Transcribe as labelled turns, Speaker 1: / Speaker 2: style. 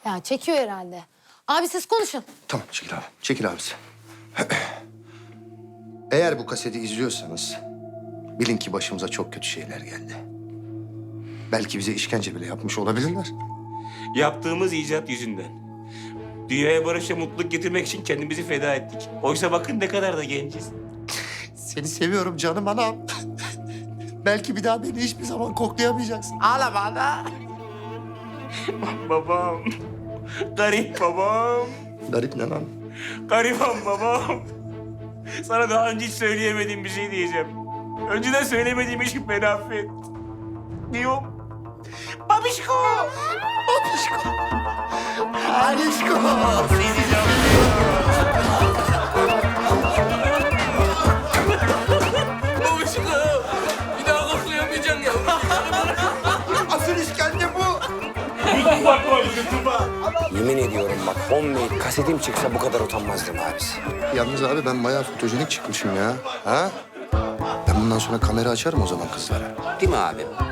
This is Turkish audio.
Speaker 1: Ya çekiyor herhalde. Abi siz konuşun.
Speaker 2: Tamam çekil abi. Çekil abisi. Eğer bu kaseti izliyorsanız bilin ki başımıza çok kötü şeyler geldi. Belki bize işkence bile yapmış olabilirler.
Speaker 3: Yaptığımız icat yüzünden. Dünyaya barış ve mutluluk getirmek için kendimizi feda ettik. Oysa bakın ne kadar da genciz.
Speaker 2: Seni seviyorum canım anam. Belki bir daha beni hiçbir zaman koklayamayacaksın.
Speaker 3: Ağlama ana. Babam. Garip babam.
Speaker 2: Garip ne lan?
Speaker 3: Gariban babam. Sana daha önce hiç söyleyemediğim bir şey diyeceğim. Önceden söylemediğim için beni affet. Diyorum. Babişko.
Speaker 2: Babişko. Alişko.
Speaker 4: Babişko, bir daha koklayamayacaksın ya.
Speaker 2: Asıl işkence bu.
Speaker 5: Yemin ediyorum bak homemade kasetim çıksa bu kadar utanmazdım abisi.
Speaker 2: Yalnız abi ben bayağı fotojenik çıkmışım ya. Ha? Ben bundan sonra kamera açarım o zaman kızlara.
Speaker 5: Değil mi abi?